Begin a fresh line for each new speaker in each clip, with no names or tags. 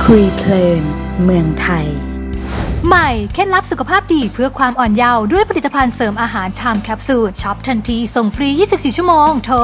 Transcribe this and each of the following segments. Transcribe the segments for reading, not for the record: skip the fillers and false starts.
คุยเพลินเมืองไทย
ใหม่เคล็ดลับสุขภาพดีเพื่อความอ่อนเยาว์ด้วยผลิตภัณฑ์เสริมอาหารไทม์แคปซูลช็อปทันทีส่งฟรี 24 ชั่วโมงโทร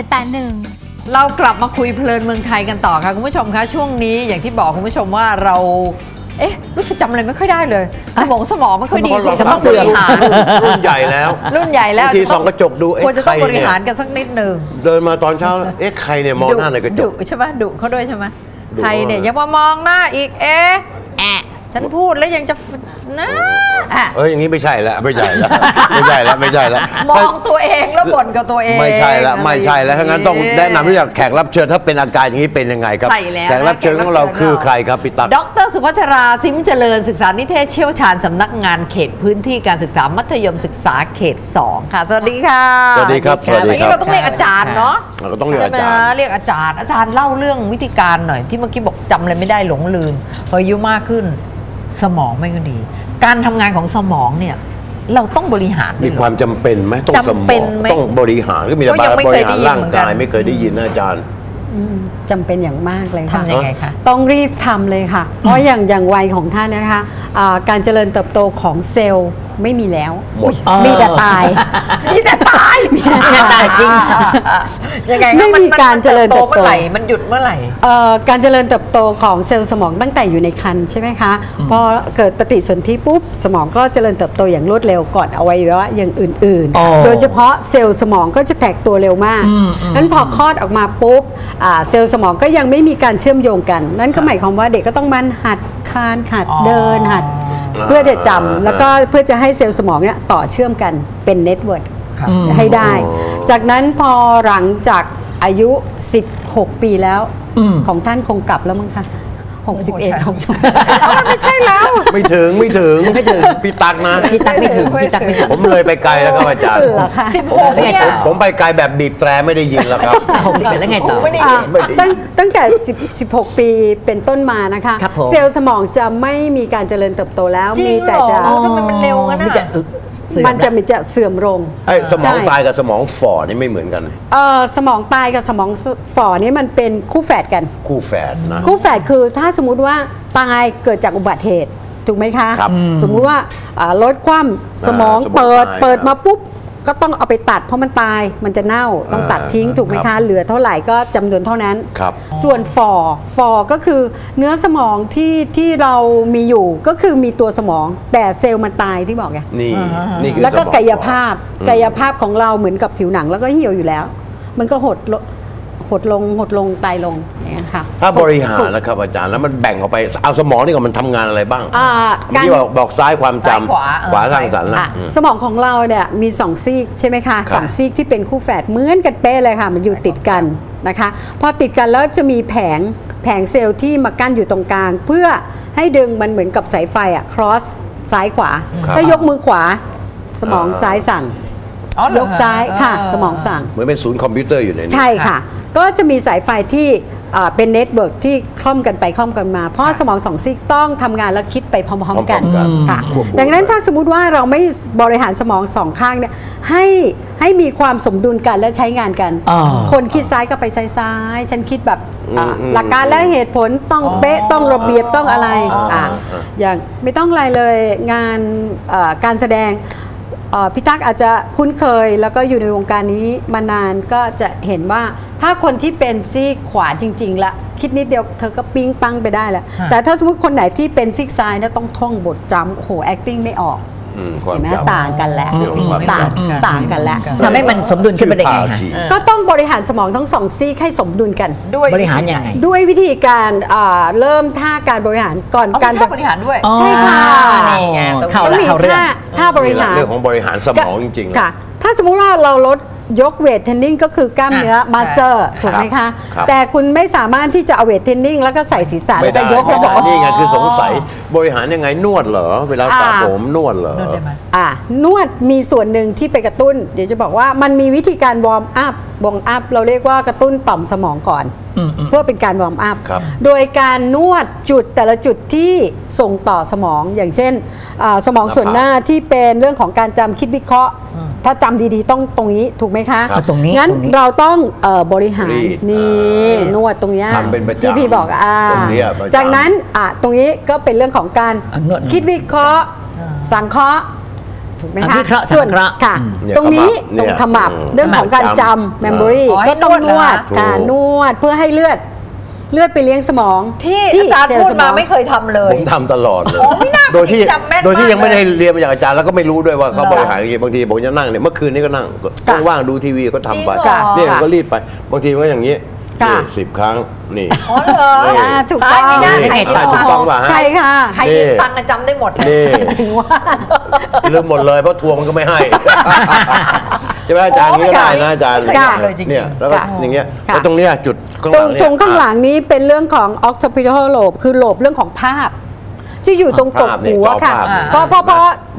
1781
เรากลับมาคุยเพลินเมืองไทยกันต่อค่ะคุณผู้ชมคะช่วงนี้อย่างที่บอกคุณผู้ชมว่าเรารู้สึกจำอะไรไม่ค่อยได้เลยสมองไม่ค่อยดีควรจะต้องบริหาร
รุ่นใหญ่แล้วทีส่องกระจกดู
ควรจะต้องบริหารกันสักนิดนึง
เดินมาตอนเช้าใครเนี่ยมองหน้าในกระจก
ใช่ไหมดุเขาด้วยใช่ไหมใครเนี่ยยังมามองหน้าอีกฉันพูดแล้วยังจะนะ
อย่างนี้ไม่ใช่แล้วไม่ใช่แล้ว
มองตัวเองแล้วบ่นกับตัวเอง
ไม่ใช่แล้วถ้างั้นต้องแนะนำที่จะแขกรับเชิญถ้าเป็นอาการอย่างนี้เป็นยังไงครับแขกรับเชิญของเราคือใครครับพี่ตั๊ก
ดร.สุภัชราซิมเจริญศึกษานิเทศเชี่ยวชาญสำนักงานเขตพื้นที่การศึกษามัธยมศึกษาเขต 2ค่ะสวัสดีค่ะ
สวัสดีครับ
วันนี้เราต้องเรียกอาจารย์เนาะ
เราต้องเรียกอาจารย์
เรียกอาจารย์เล่าเรื่องวิธีการหน่อยที่เมื่อกี้บอกจำอะไรไม่ได้หลงลืมพออายุมากขึ้นสมองไม่ก็ดีการทำงานของสมองเนี่ยเราต้องบริหาร
มีความจำเป็นไหมต้องสมองต้องบริหารก็มีแต่บริหารร่างกายไม่เคยได้ยินนะอาจารย์
จำเป็นอย่างมากเลยค่ะ
ทำยังไงคะ
ต้องรีบทำเลยค่ะเพราะอย่างวัยของท่านนะคะการเจริญเติบโตของเซลล์ไม่มีแล้วมีแต่ตาย
มีแต่ตาย
จริง
ยังไง
ไม่มีการเจริญเติบโตเมื่อไหร่
มันหยุดเมื่อไหร่
การเจริญเติบโตของเซลล์สมองตั้งแต่อยู่ในครรภ์ใช่ไหมคะพอเกิดปฏิสนธิปุ๊บสมองก็เจริญเติบโตอย่างรวดเร็วก่อนอวัยวะอย่างอื่นๆโดยเฉพาะเซลล์สมองก็จะแตกตัวเร็วมากนั้นพอคลอดออกมาปุ๊บเซลล์สมองก็ยังไม่มีการเชื่อมโยงกันนั่นก็หมายความว่าเด็กก็ต้องมันหัดคลานหัดเดินหัดเพื่อจะจำแล้วก็เพื่อจะให้เซลล์สมองเนี่ยต่อเชื่อมกันเป็นเน็ตเวิร์กให้ได้จากนั้นพอหลังจากอายุ16 ปีแล้วของท่านคงกลับแล้วมั้งคะ61ของ
ไม่ใช่แล้ว
ไม่ถึงพี่ตั๊กนะ
พี่ตั๊กไม่ถึง
ผมเลยไปไกลแล้วครับอาจารย์
16เนี่ย
ผมไปไกลแบบบีบแตรไม่ได้ยินแล้วครับ
61แล้วไงต่อตั้งแต่16 ปีเป็นต้นมานะคะเซลล์สมองจะไม่มีการเจริญเติบโตแล้วมีแต่จะ
ทำไมมันเร็วกันนะ
มันจะเสื่อมลง
สมองตายกับสมองฝ่อนี่ไม่เหมือนกัน
สมองตายกับสมองฝ่อนี่มันเป็นคู่แฝดกัน
คู่แฝดนะ
คู่แฝดคือถ้าสมมุติว่าตายเกิดจากอุบัติเหตุถูกไหมคะสมมุติว่ารถคว่ำสมองเปิดมาปุ๊บก็ต้องเอาไปตัดเพราะมันตายมันจะเน่าต้องตัดทิ้งถูกไหมคะเหลือเท่าไหร่ก็จำนวนเท่านั้นส่วนฝ่อก็คือเนื้อสมองที่เรามีอยู่ก็คือมีตัวสมองแต่เซลล์มันตายที่บอกไง
นี่
แล้วก็กายภาพของเราเหมือนกับผิวหนังแล้วก็เหี่ยวอยู่แล้วมันก็หดลงตายลงเนี่ยค่ะ
ถ้าบริหารนะครับอาจารย์แล้วมันแบ่งออกไปเอาสมองนี่ก่อนมันทำงานอะไรบ้างที่บอกซ้ายความจำขวาสร้างสรรค์
สมองของเราเนี่ยมี2 ซีกใช่ไหมคะ2 ซีกที่เป็นคู่แฝดเหมือนกันเป๊ะเลยค่ะมันอยู่ติดกันนะคะพอติดกันแล้วจะมีแผงเซลล์ที่มากั้นอยู่ตรงกลางเพื่อให้ดึงมันเหมือนกับสายไฟcross ซ้ายขวาถ้ายกมือขวาสมองซ้ายสั่งยกซ้ายค่ะสมองสั่ง
เหมือนเป็นศูนย์คอมพิวเตอร์อยู่ในนี้
ใช่ค่ะก็จะมีสายไฟที่เป็นเน็ตเวิร์กที่คล่อมกันไปคล่อมกันมาเพราะสมอง2 ซีกต้องทำงานและคิดไปพร้อมๆกันค่ะดังนั้นถ้าสมมุติว่าเราไม่บริหารสมอง2 ข้างเนี่ยให้มีความสมดุลกันและใช้งานกันคนคิดซ้ายก็ไปซ้ายฉันคิดแบบหลักการและเหตุผลต้องเป๊ะต้องระเบียบต้องอะไรอย่างไม่ต้องอะไรเลยงานการแสดงพี่ตั๊กอาจจะคุ้นเคยแล้วก็อยู่ในวงการนี้มานานก็จะเห็นว่าถ้าคนที่เป็นซีกขวาจริงๆละคิดนิดเดียวเธอก็ปิ้งปังไปได้แล้วแต่ถ้าสมมติคนไหนที่เป็นซีกซ้ายนะต้องท่องบทจำโอ้โห acting ไม่ออกเห็นไหมต่างกันแล้วต่างกันแล้ว
ทำให้มันสมดุลขึ้นไปได้ไง
ก็ต้องบริหารสมองทั้ง2 ซีกให้สมดุลกัน
ด้วย
บริหารยังไง
ด้วยวิธีการเริ่มท่าการบริหารก่อน
การบริหารด้วย
ใช่ค่ะ
นี่ไง
ต้องมีท่าบริหาร
เรื่องของบริหารสมองจริง
ๆค่ะถ้าสมมุติว่าเราลดยกเวทเทรนนิ่งก็คือกล้ามเนื้อมัสเซอร์ถูกไหมคะแต่คุณไม่สามารถที่จะเอาเวทเทรนนิ่งแล้วก็ใส่ศีรษะแล้วก็ยกแล้วบอก
นี่ไงคือสงสัยบริหารยังไงนวดเหรอเวลาสระผมนวดเหรอน
วดมีส่วนหนึ่งที่ไปกระตุ้นเดี๋ยวจะบอกว่ามันมีวิธีการวอร์มอัพวอร์มอัพเราเรียกว่ากระตุ้นต่อมสมองก่อนเพื่อเป็นการวอร์มอัพ
ครับ
โดยการนวดจุดแต่ละจุดที่ส่งต่อสมองอย่างเช่นสมองส่วนหน้าที่เป็นเรื่องของการจำคิดวิเคราะห์ถ้าจำดีๆต้องตรงนี้ถูกไหมคะ
ครับตรงนี้
งั้น
ตรงนี้
เราต้องบริหาร
รีด
นี่นวดตรงเนี้ย
ทำเป็นประจำ
ที่พี่บอก
ตรงเนี้ยประจำ
จากนั้นตรงนี้ก็เป็นเรื่องของการ
นวด
คิดวิเคราะห์สังเคราะห์ถูกไหมคะ
วิเคราะห์
ส่วน
สังเคราะห์
ค่ะ
เนี่ย
ตรงนี้
ขมับ
ตรงขมับ
เนี่ย
เรื่องของการจำ memory
อ๋อ
ก็ต้อง
ให้
น
น
ว
ว
ด
ด
ค่ะ
ถูก
นวดเพื่อให้เลือดไปเลี้ยงสมอง
ที่อาจารย์
เซล
พูด
ส
มาไม่เคยทำเลย
ผมทำตลอดเลย
โอ้ไม่น่า
โดยที่
จำแม่น
โดยที่
มาก
ยังไม่ได้
เลย
เรียนมาจากอาจารย์แล้วก็ไม่รู้ด้วยว่าเขาบริหารยังไงบางทีผมจะนั่งเนี่ยเมื่อคืนนี้ก็นั่งว่างๆดูทีวีก็ทำไป
จริงเหรอ
เนี่ยก็รีบไปบางทีมันก็อย่างนี้
ค่ะ
10 ครั้งนี่
อ๋อเหรอ
นี่
ถูกต้อง
ไม่น่า
นี่
ใคร
ถูกต้องป่ะฮะ
ใช่ค่ะ
ใครยืมตังค์อะจำได้หมดเลย
นี่
ถึงว่า
ลืมหมดเลยเพราะทวงมันก็ไม่ให้ ใช่ไหมอาจารย์
โอ้
นี้ก็ได้นะอาจารย์
ไม่ได้เลยจริงๆ
เนี่ยแล้วก็
ค่ะ
อย่างเงี้ย
ค่ะ
แล้วตรงเนี้ยจุดข้างห
ตร
ลั
ง
งเนี่ย
ตรงข้างหลังนี้เป็นเรื่องของ occipital lobe คือโลบเรื่องของภาพ ที่อยู่ตรงกกหูอะค่ะ เพราะ
บอกแล้ว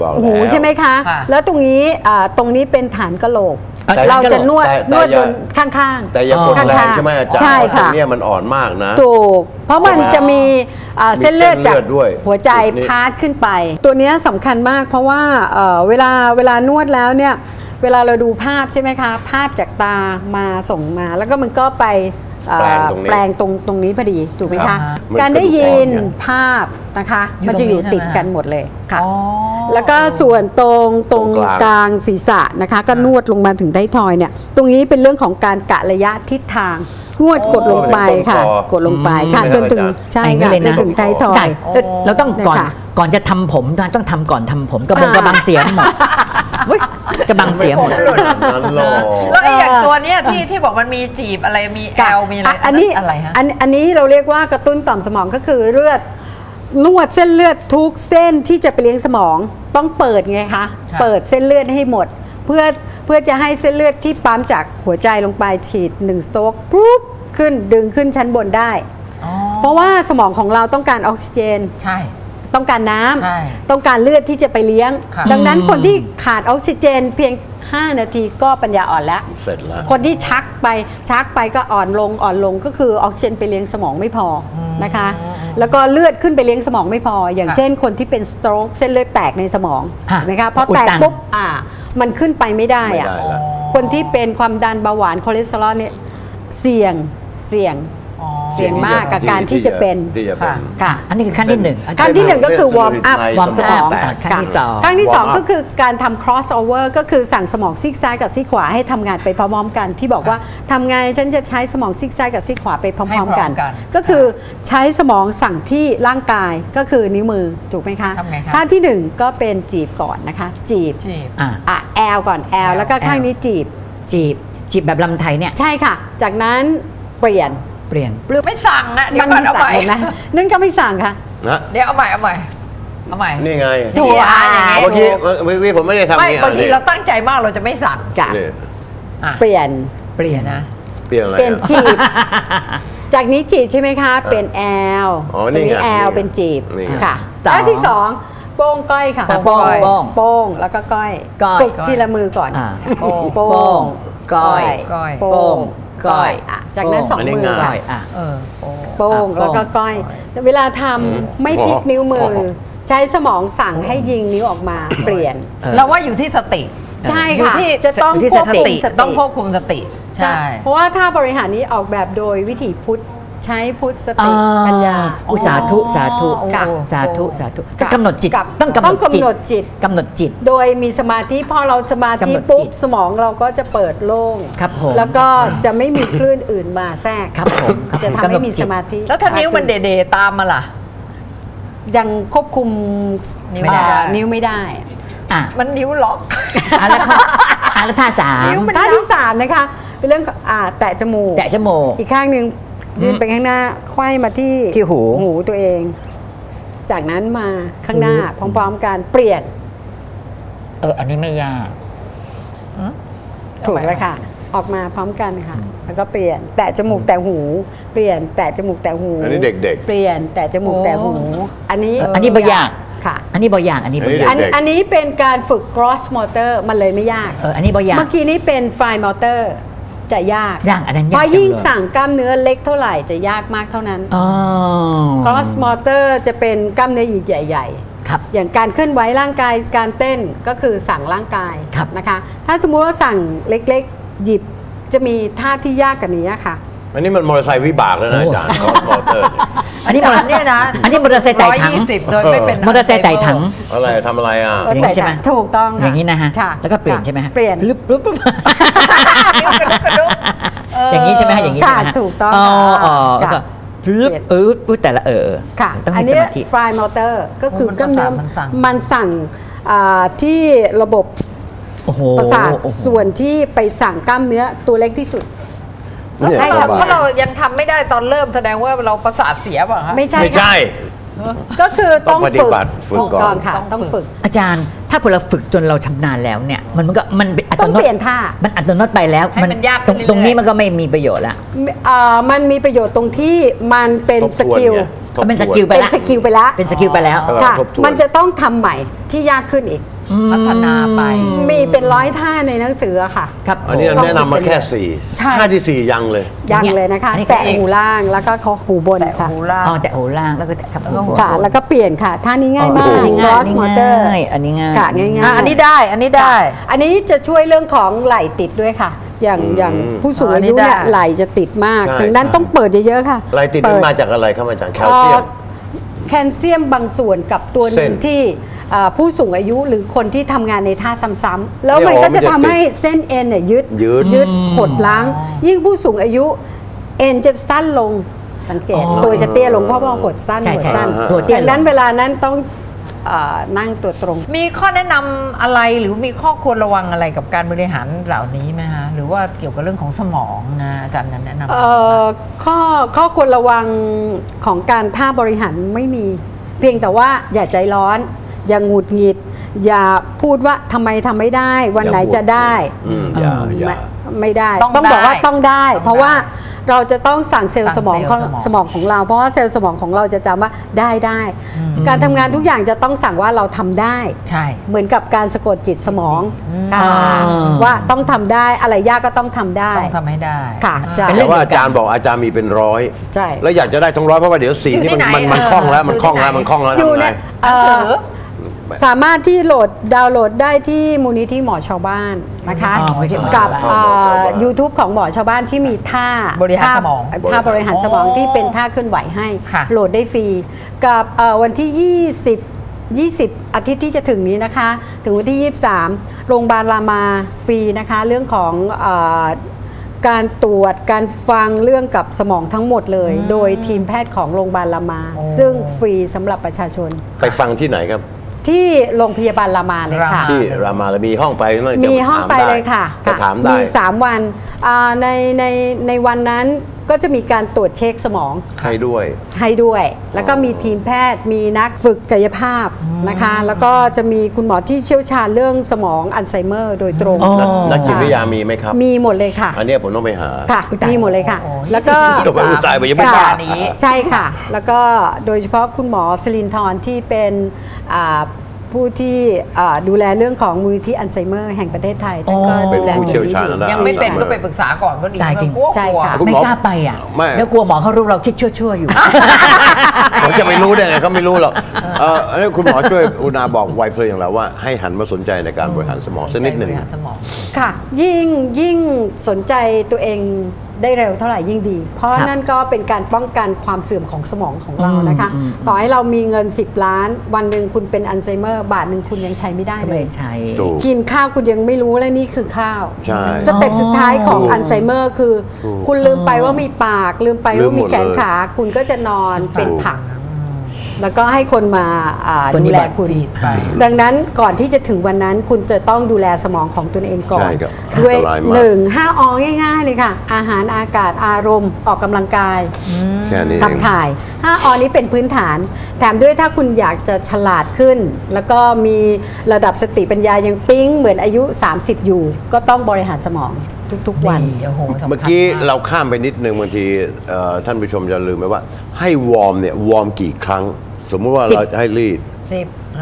หูใช่ไหมคะ
ค่ะ
แล้วตรงนี้เป็นฐานกะโหลก
แต่
เราจะนวด
แต่
นวด
อย่า
บนข้างๆ
แต่อย่ากดแรงใช่ไหมอาจารย์
ใช่
เพราะตร
ค่ะ
งเนี้ยมันอ่อนมากนะ
ถูก เพราะมันจะมีเส้นเลือดจาก
มีเส้นเลือดด้วย
หัวใจ
จุดนี้
พาสขึ้นไป ตัวเนี้ยสำคัญมากเพราะว่าเวลานวดแล้วเนี่ยเวลาเราดูภาพใช่ไหมคะ ภาพจากตามาส่งมา แล้วก็มันก็ไปแปลงตรงนี้พอดีถูกไหม
ครั
คะ
บ
การได้ยิน
มันกระดูกอ่อนเนี่ย
ภาพนะคะ
อยู่
มันจะอยู่
ตรงนี้
ติด
ใช่ไหม
กันหมดเลยค่ะ
อ๋อ
แล้วก็ส่วนตรง
ตรงกลาง
กลางศีรษะนะคะ ก็นวดลงมาถึงไทยทอยเนี่ย ตรงนี้เป็นเรื่องของการกะระยะทิศทาง นวดกดลงไปค่ะ กดลงไปค่ะจนถึงใช่
อย่างนี้
ค่ะ
เลย
จ
นะ
นถึงไทยทอย
เราต้องก่อน
เนี่ยค่ะ
ก่อนจะทำผมต้องทำก่อนทำผมกระบังเสียหมดอุ๊ยกระบังเสียหมด
นั้นหรอก
แล้วไอ้อย่างตัวเนี้ยที่บอกมันมีจีบอะไรมีแอลมีอะไร
อันนี้
อะไรฮะ
อันนี้เราเรียกว่ากระตุ้นต่อมสมองก็คือเลือดนวดเส้นเลือดทุกเส้นที่จะไปเลี้ยงสมองต้องเปิดไงคะ
ค่ะ
เปิดเส้นเลือดให้หมด เพื่อจะให้เส้นเลือดที่ปั๊มจากหัวใจลงไปฉีด1สโตรกปุ๊บขึ้นดึงขึ้นชั้นบนได้
อ๋อ
เพราะว่าสมองของเราต้องการออกซิเจน
ใช่
ต้องการน้
ใช่
ำต้องการเลือดที่จะไปเลี้ยง
ค่ะ
ดังนั้นคนที่ขาดออกซิเจนเพียง 5 นาทีก็ปัญญาอ่อนแล้ว
เสร็จแล้ว
คนที่ชักไปก็อ่อนลงก็คือออกซิเจนไปเลี้ยงสมองไม่พอนะคะ แล้วก็เลือดขึ้นไปเลี้ยงสมองไม่พอ อย่างเช่นคนที่เป็นสโตรกเส้นเลือดแตกในสมอง
ฮะ
เห็นะคะพอ
อุด
แตก
ตัน
ปุ๊บมันขึ้นไปไม่ได้
ไม่
อะ
ได้ละ
คนที่เป็นความดันเบาหวานคอเลสเตอรอลเนี่ยเสี่ยง
อ๋อ
เสี่ยงมากกับการที่จะเป็น
ที่จะเป็น
ค่ะ
ค่ะ
อันนี้คือขั้นที่หนึ่ง
ขั้นที่หนึ่งก็คือวอร์มอัพ
ใน
วอร์ม
สมอง
อัพ
แตก
ขั้นที่สอง
ครั้งที่
warm up
2 ก็คือการทำ cross over ก็คือสั่งสมองซีกซ้ายกับซีกขวาให้ทำงานไปพร้อมๆกัน ที่บอกว่าทำไงฉันจะใช้สมองซีกซ้ายกับซีกขวาไปพร้อมๆกัน
ให้พร้อมกัน
ก็คือใช้สมองสั่งที่ร่างกายก็คือนิ้วมือถูกไหมคะ
ทำไงคะ
ท่าที่ 1 ก็เป็นจีบก่อนนะคะ จีบ
จีบ
แอลก่อนแอลแล้วก็ข้างนี้จีบ
จีบแบบลำไทยเนี่ย
ใช่ค่ะ จากนั้นเปลี่ยน
ไม่สั่งอะเดี๋ยว
มั
ก่อนเอา
สั่
ใหม่
เห็นไหมนั่นก็ไม่สั่งค่ะ
นะ
เดี๋ยวเอาใหม่เอาใหม่
นี่ไง
ถูก
อย่างงี้
เมื่อกี้ผมไม่ได้ทำ
ไม่
นี่
บางทีเราตั้งใจมากเราจะไม่สั่ง
จ้ะ
นี่
อ่ะ
เปลี่ยน
นะ
เปลี่ยนอะไร
เป็น
อ่ะ
จีบ จากนี้จีบใช่ไหมคะ เป็นแอล
อ๋อ
ต
นี่
รง
ไง
นี้แอล
นี่ไง
เป็นจีบ
นี่ไง
ค่ะ
ต่อ
แล้วที่สองโป้งก้อยค่ะ
โป้ง
โป้งแล้วก็ก้อย
ก้อย
ฝึกทีละมือก่อน
โป้ง
โป้ง
ก้อย
ก้อย
โป้ง
ก้อย
ะจากนั้น
โป้ง
สอง
อันนี้
มือ
ง่าย
ค่ะ
อ่ะ
โป้ง
โป้ง
แล้วก็ก้อย เวลาทำไม่พลิกนิ้วมือ ใช้สมองสั่งให้ยิงนิ้วออกมาเปลี่ยน
เราว่าอยู่ที่สติ
ใช่
อยู่
ค่ะ
ที่
จะต้อง
อยู่ที่
ควบ
ส
คุ
ติ
มสติ
ต้องควบคุมสติ
ใช่ เพราะว่าถ้าบริหารนี้ออกแบบโดยวิถีพุทธใช้พุทธสติปัญญา
อุสาธุสาธุ
ค่ะ
สาธุสาธุ
ค่ะ
กำหนดจิต
กับ
ต้องกำหนด
ต้องกำหนดจิต
กำหนดจิต
โดยมีสมาธิพอเราสมาธิ
กำหนดจิต
ปุ๊บสมองเราก็จะเปิดโล่ง
ครับผม
แล้วก็จะไม่มีคลื่นอื่นมาแทรก
ครับผมครับ
จะ
ผม
ทำให้มีสมาธิ
แล้วถ้านิ้วมันเดๆตามมาล่ะ
ยังควบคุม
นิ้วไม่ได้
นิ้วไม่ได้
อ่ะ
มันนิ้วล็อก
แล้วข้อแล้วท่าสาม
นิ้วมัน
ท่าที่3นะคะเป็นเรื่องของแตะจมูก
แตะจมูก
อีกข้างหนึ่งยืนไปข้างหน้าไขว้มาที่
ที่หู
ตัวเอง จากนั้นมาข้างหน้าพร้อมๆกันเปลี่ยน
อันนี้ไม่ยาก
ถูกแล้วค่ะ ออกมาพร้อมกันค่ะ แล้วก็เปลี่ยน แตะจมูกแตะหู เปลี่ยน แตะจมูกแตะหู
อันนี้เด็กๆ
เปลี่ยน แตะจมูกแตะหู อันนี้
อันนี้บ่ยาก
ค่ะ
อันนี้บ่ยากอันนี้บ่ยาก
อันนี้เป็นการฝึก cross motor มันเลยไม่ยาก
อันนี้บ่ยาก
เมื่อกี้นี้เป็น fine motor จะยาก
อันนั้นยาก
เพราะยิ่ง
จังเลย
สั่งกล้ามเนื้อเล็กเท่าไหร่จะยากมากเท่านั้น cross motor จะเป็นกล้ามเนื้อใหญ่ๆ
ครับ
อย่างการเคลื่อนไหวร่างกายการเต้นก็คือสั่งร่างกาย
ครับ
นะคะ ถ้าสมมุติว่าสั่งเล็กๆหยิบจะมีท่าที่ยากกว่านี้ค่ะ
อันนี้มันมอเตอร์ไซค์วิบากแล้วนะอาจารย์มอเตอร์
อันนี้มอเตอร์
เนี่ยนะ
อันนี้มอเตอร์ไซค์ไต่ถัง
120โดยไม่เป็น
มอเตอร์ไซค์ไต่ถัง
อะไรทำอะไรอ่ะ
อย่างนี้ใช่ไหม
ถูกต้องค่ะ
อย่างนี้นะฮะ
ค่ะ
แล้วก็เปลี่ยนใช่ไหมฮะ
เปลี่ยน
ปุ๊บอย่างนี้ใช่ไหมฮะอย่างนี้ใช่ไหมฮะ
ค่ะถูกต้อง
อ๋อ
ค่ะ
แล้วก็
เปลี่ยน
ปุ๊บแต่ละ
ค่ะ
ต้อง
อัน
มีส
นี้
มาธิ
ฟลายมอเตอร์ก็คือกล้ามเนื้อ
มันสั่ง
มันสั่งที่ระบบ
โอ้โห
ประสาทส่วนที่ไปสั่งกล้ามเนื้อตัวเล็กที่สุด
เนี่ย
ใช่
ส
ค่ะ
บา
เพราะเรายังทำไม่ได้ตอนเริ่มแสดงว่าเราประสาทเสียเปล่ะคะ
ไม่ใช่
ไม่
ค่ะ
ใช่
ก็คือต้อง
ต้องปฏิ
ฝึก
บัติฝึก
ถูก
ก่อน
ต้องค่ะต้องฝึก
อาจารย์ถ้าพอเราฝึกจนเราชำนาญแล้วเนี่ยมันเป็นอัต
ต้อง
โนมั
เปลี่ยน
ติ
ท่า
มันอัตโนมัติไปแล้ว
ให้มันยากขึ้นเรื่อยๆ
ตรงนี้มันก็ไม่มีประโยชน์ละ
มันมีประโยชน์ตรงที่มันเป็น
ทบทวน
สกิล
ไงทบทวน
เป็นสกิลไป
เป็น
ละ
สกิลไปแล้ว
เป็นสกิลไปแล้ว
ค่ะ
ทบทวน
มันจะต้องทำใหม่ที่ยากขึ้นอีก
พัฒนาไป
มีเป็นร้อยท่าในหนังสืออะค่ะ
ครับ
อันนี้แนะนำมาแค่
ใช่
4ท่าที่ 4 ยังเลย
ยังเลยนะคะ
อันนี้
แตะหูล่างแล้วก็เขาหูบน
แต่
ค่ะ
หูล่าง
อ๋อแต่โหล่างแล้วก็ครับ
ค่ะ แล้วก็เปลี่ยนค่ะท่านี้ง่ายมาก
อันนี้ง่าย
cross motor
อันนี้ง่าย
ค่ะง่ายๆ
อันนี้ได้ อันนี้ได้
อันนี้จะช่วยเรื่องของไหล่ติดด้วยค่ะ อย่างผู้สูงอายุเนี่ย
อันนี้ได้
ไหล่จะติดมาก
ใช่
ดังนั้น
ใช่
ต้องเปิดเยอะๆค่ะ
อะไรติด
เปิ
มันมาจากอะไรครับอาจารย์แคลเซียม
แคลเซียมบางส่วนกับตัวหนึ่ง
เส้น
ที่ผู้สูงอายุหรือคนที่ทำงานในท่าซ้ำๆแล้วมัน
เนี่ย
ก็จะ
มันจะ
ทำให้เส้นเอ็นเนี่ยยืด
ยืด
หดล้าง ยิ่งผู้สูงอายุเอ็นจะสั้นลงสังเกต
อ๋อ
ตัวจะเตี้ยลงเพราะว่าหดสั้น
ใช่
หด
ใช่
สั้น
ตัวเตี้ยลง
ดังนั้นเวลานั้นต้องนั่งตัวตรง
มีข้อแนะนำอะไรหรือมีข้อควรระวังอะไรกับการบริหารเหล่านี้ไหมฮะหรือว่าเกี่ยวกับเรื่องของสมองนะอาจารย์นั้นแนะนำ
ข้อควรระวังของการท่าบริหารไม่มี เพียงแต่ว่าอย่าใจร้อน อย่าหงุดหงิด อย่าพูดว่าทำไมทำไม่ได้ วันไหนจะได้
อย่า
ไม่ได้
ต้อง
บอกว่า
ได้
ต้องได้
ต้องได้
เพราะว่าเราจะต้องสั่งเซลล์สมอง
สั่งเซลล์สมอง
สมองของเรา เพราะว่าเซลล์สมองของเราจะจำว่าได้ การทำงานทุกอย่างจะต้องสั่งว่าเราทำได้
ใช่
เหมือนกับการสะกดจิตสมอง
อ่า
ว่าต้องทำได้อะไรยากก็ต้องทำได้
ต้องทำให้ได้
ค่ะใช่
แต่ว่าอาจารย์บอกอาจารย์มีเป็นร้อย
ใช่
แล้วอยากจะได้ทั้งร้อยเพราะว่าเดี๋ยวสี
อยู่
นี่
ที่ไหน
มันคล่องแล้ว
เออ
มันคล่องแล้ว
อยู่ที่ไหน
มันคล่องแล้ว
อยู่
ทำ
ใน
ไง
หนังสือ
สามารถที่ดาวน์โหลดได้ที่มูลนิธิหมอชาวบ้านนะคะ
อ๋อมูลนิธิหมอ
กับ
ชาวบ้าน
YouTube ของหมอชาวบ้านที่มีท่า
บริหารสมอง
ท่าบริหารสมอง
อ๋อ
ที่เป็นท่าเคลื่อนไหวให้
ค่ะ
โหลดได้ฟรีกับวันที่ 20 อาทิตย์ที่จะถึงนี้นะคะ ถึงวันที่ 23 โรงพยาบาลรามาฟรีนะคะ เรื่องของการตรวจการฟังเรื่องกับสมองทั้งหมดเลย โดยทีมแพทย์ของโรงพยาบาลรามา ซึ่งฟรีสำหรับประชาชน
ไปฟังที่ไหนครับ
ที่โรงพยาบาลรามาเลยค่ะ
ที่รามาแล้วมีห้องไปนั่น
มีห้องไปเลยค่ะ
จะถามได้
มี 3 วันในวันนั้นก็จะมีการตรวจเช็คสมอง
ให้ด้วย
ให้ด้วย แล้วก็มีทีมแพทย์มีนักฝึกกายภาพนะคะ แล้วก็จะมีคุณหมอที่เชี่ยวชาญเรื่องสมองอัลไซเมอร์โดยตรง
อ๋อ
นักจิตวิทยามีไหมครับ
มีหมดเลยค่ะ
อันเนี้ยผมต้องไปหา
ค่ะ มีหมดเลยค่ะ
โอ้โห
แล้วก็
เดี๋ยวไปอุยตายไปยังไม่
ค่ะ
บ้า
นี้
ใช่ค่ะ แล้วก็โดยเฉพาะคุณหมอสลินทรที่เป็นผู้ที่ดูแลเรื่องของมูลนิธิอัลไซเมอร์แห่งประเทศไทยท่านก็
เป็น
ดูแล
ผู้เชี่ยวชาญ
ตรง
ด้าน
ยังไม่เป็นก็ไปปรึกษาก่อนก็ดี
ได้จริง
กลัว
ใช่ค่ะ
คุณ
ไม่
หมอ
กล้าไปอ่ะ
ไม่
แล้วกลัวหมอเขารู้เราคิดชั่วๆอยู่
ผมจะไม่รู้ได้ไงเขาไม่รู้หรอกอันนี้คุณหมอช่วยอุณาบอกไวเพลินอย่างเราว่าให้หันมาสนใจในการบริหารสมองสักนิดหนึ่ง
บริหารสมอง
ค่ะยิ่งสนใจตัวเองได้เร็วเท่าไหร่ยิ่งดี เพราะ
ครับ
นั่นก็เป็นการป้องกันความเสื่อมของสมองของเรานะคะ ต่อให้เรามีเงิน10 ล้าน วันหนึ่งคุณเป็นอัลไซเมอร์บาทหนึ่งคุณยังใช้ไม่ได้
ก็
เล
ไม่
ย
ใช่
ถูก
กินข้าวคุณยังไม่รู้และนี่คือข้าว
ใช่
สเต็ปสุดท้ายของ
ถูก
อัลไซเมอร์คือ
ถูก
คุณลืมไปว่ามีปาก ลืมไป
ลืม
ว่า
หม
มี
ด
แขน
เลย
ขา คุณก็จะนอนเป็นผัก แล้วก็ให้คนมา
ปฏิ
ดูแล
บัติ
คุณ
ไป
ดังนั้นก่อนที่จะถึงวันนั้นคุณจะต้องดูแลสมองของตนเองก่อน
ใช่ครับ
ด้วย
อันตรายมาก
5 อง่ายๆเลยค่ะ อาหารอากาศอารมณ์ออกกำลังกาย
แค่นี้เอง
ขับถ่าย 5 อนี้เป็นพื้นฐาน แถมด้วยถ้าคุณอยากจะฉลาดขึ้น แล้วก็มีระดับสติปัญญายังปิ๊งเหมือนอายุ 30 อยู่ ก็ต้องบริหารสมองทุกๆวัน
โอ้โหสำคัญ
เมื่อกี้
าก
เราข้ามไปนิดนึงบางทีท่านผู้ชมจะลืมไปว่า ให้วอร์มเนี่ยวอร์มกี่ครั้ง สมมุติว่า
10
เราจะให้รีด
สิบ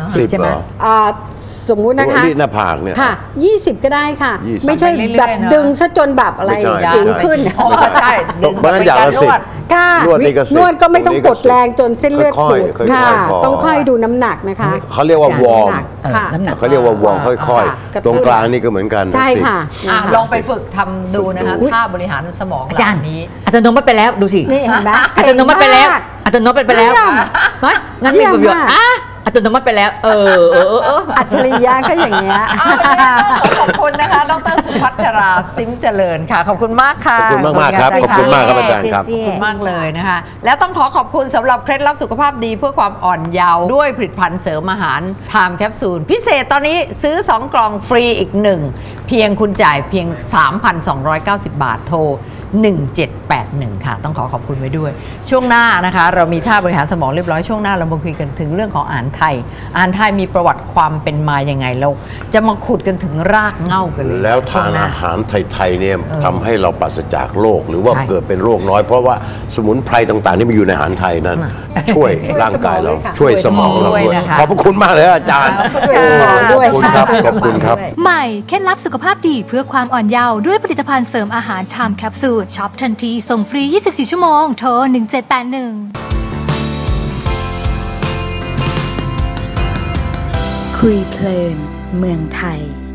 นาะ
10
ใช่ไหม
เหรอ
สมมุตินะคะ
นี่หน้าผากเนี่ย
ค่ะ 20 ก็ได้ค่ะ
20
ไม่ใช่
ไปเรื่อยๆ
แบบ
นะ
ดึงซะจนแบบอะไร
ไม่ใช่
สิวขึ้น
อ๋อใช่ดึง
บางอย่างละ
เป็นการนวด
10
ค่ะ
นวดนี่ก็10
นวดก็ไม่ต้อง
ตรงนี้
ก
ก็
ดแรงจนเส้นเลือด
ค่
ปู
อย
ด
ๆค่อยๆ
ค่ะ
พอ
ต้องค่อยดูน้ำหนักนะคะ
เขาเรียกว่าวอร์ม
ค่ะ
น้ำหนัก
เขาเรียกว่าวอร์มค่อย
ค่ะกระตุ้น
ๆตรงกลางนี่ก็เหมือนกัน
ใช่
10
ค่ะ
ลองไปฝึกทำดูนะคะ
อุ๊ย
ท่าบริหารสมอง
อาจารย์
เหล่นี้
อัตโนมัติไปแล้วดูสิ
นี่เห็นไหม
อัตโนมัติไปแล้ว
เก่งมาก
อัตโนมัติไปแล้ว
เยี่ยม
ฮะงั้น
เยี่
มี
ยม
ประโยชน์
มาก
อัตโนมัติไปแล้ว
อัจฉริยะก็อย่างเงี้ย
ขอบคุณนะคะ ดรสุพัชราซิมเจริญค่ะ ขอบคุณมากค่ะ
ขอบคุณมากๆครับขอบคุณมากครับอาจารย์ครับ
ขอบคุณมากเลยนะคะ แล้วต้องขอบคุณสำหรับเคล็ดลับสุขภาพดีเพื่อความอ่อนเยาว์ด้วยผลิตภัณฑ์เสริมอาหารไทม์แคปซูลพิเศษตอนนี้ซื้อ 2 กล่องฟรีอีก 1 เพียงคุณจ่ายเพียง 3,290 บาทโทร 1781 ค่ะต้องขอบคุณไว้ด้วย ช่วงหน้านะคะเรามีท่าบริหารสมองเรียบร้อยช่วงหน้าเรามาคุยกันถึงเรื่องของอาหารไทยอาหารไทยมีประวัติความเป็นมายังไงเราจะมาขุดกันถึงรากเหง้ากันเลย
แล้ว
ช่
ทาน
ห
อาหารไทยๆเนี่ยทำให้เราปราศจากโรคหรือว่า
ใช่
เกิดเป็นโรคน้อย เพราะว่าสมุนไพรต่างๆที่มันอยู่ในอาหารไทยนั้น ช่วยร่างกายเรา
ช่
ช่ว
วย ย
ส
ส
ม
ม
อ
อง ง
เรา
ด้วย
ด้วย
นะคะ
ขอบพระคุณมากเลยอาจารย์
ช่วยสมองด้วย
ขอบคุณครับขอบคุณครับ
ใหม่เคล็ดลับสุขภาพดีเพื่อความอ่อนเยาว์ด้วยผลิตภัณฑ์เสริมอาหารไทม์แคปซูลช็อปทันทีส่งฟรี 24 ชั่วโมงโทร 1781
คุยเพลินเมืองไทย